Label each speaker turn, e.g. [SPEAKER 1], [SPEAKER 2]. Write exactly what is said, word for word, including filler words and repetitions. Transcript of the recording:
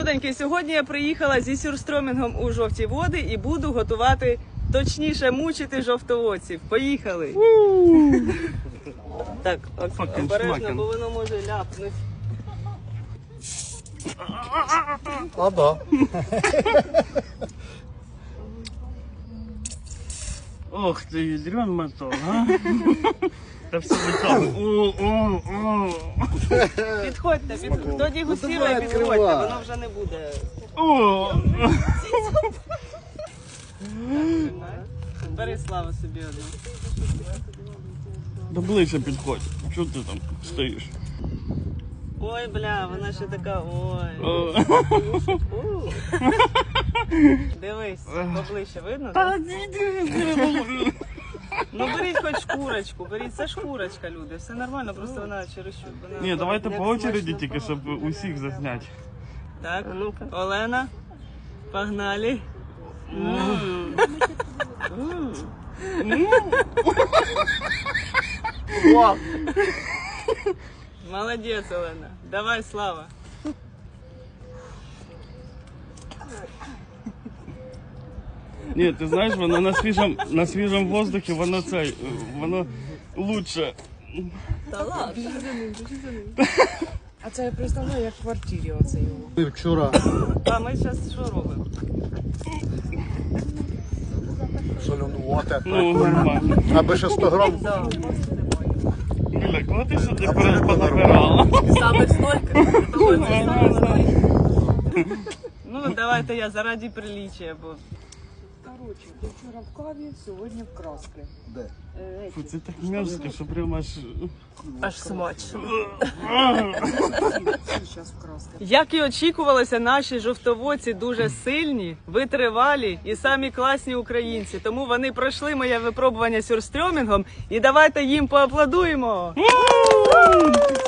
[SPEAKER 1] Сьогодні я приїхала зі сюрстромінгом у жовті води і буду готувати, точніше мучити жовтоводців. Поїхали! Так, обережно, бо воно може ляпнути.
[SPEAKER 2] А, да.
[SPEAKER 3] Ох ты, ядрен мотор, а? Та все витягує.
[SPEAKER 1] Підходьте, підходьте. Хто дегустує,
[SPEAKER 2] давай,
[SPEAKER 1] підходьте,
[SPEAKER 2] відкривай.
[SPEAKER 1] воно вже не буде.
[SPEAKER 3] О!
[SPEAKER 1] Бери, Слава, собі одну.
[SPEAKER 3] Да ближче підходь. Чого ти там стоїш?
[SPEAKER 1] Ой, бля, вона ще така, ой.
[SPEAKER 3] О.
[SPEAKER 1] У. Дивись, поближче видно?
[SPEAKER 3] Та
[SPEAKER 1] так?
[SPEAKER 3] ні,
[SPEAKER 1] Ну беріть хоч шкурочку, беріть, це шкурочка, люди, все нормально, просто вона чересчур. вона-
[SPEAKER 3] Ні, давайте
[SPEAKER 1] Як
[SPEAKER 3] по очереді
[SPEAKER 1] смачно
[SPEAKER 3] тільки, щоб усіх зазняти.
[SPEAKER 1] Так, Олена, погнали. М. М. Молодець, Олена. Давай, Слава.
[SPEAKER 3] Ні, ти знаєш, воно на свіжому, на свіжому воздухі, воно цей, воно лучше.
[SPEAKER 4] А це я представляю, як в квартирі оце його.
[SPEAKER 2] Вчора
[SPEAKER 1] А ми зараз що робимо?
[SPEAKER 2] солонувати,
[SPEAKER 3] Ну, нормально.
[SPEAKER 2] аби ще сто грам.
[SPEAKER 3] Біля, кого ти сюди понабирала?
[SPEAKER 4] Саме стойка.
[SPEAKER 1] Ну, давайте я заради приличия, бо
[SPEAKER 4] Коротше, ти вчора в каві, сьогодні в краски.
[SPEAKER 2] Де?
[SPEAKER 3] Фу, це так мерзко, що прямо аж...
[SPEAKER 4] Аж смачно. Зараз в краски.
[SPEAKER 1] як і очікувалося, наші жовтоводці дуже сильні, витривалі і самі класні українці. Тому вони пройшли моє випробування сюрстрьомінгом і давайте їм поаплодуємо.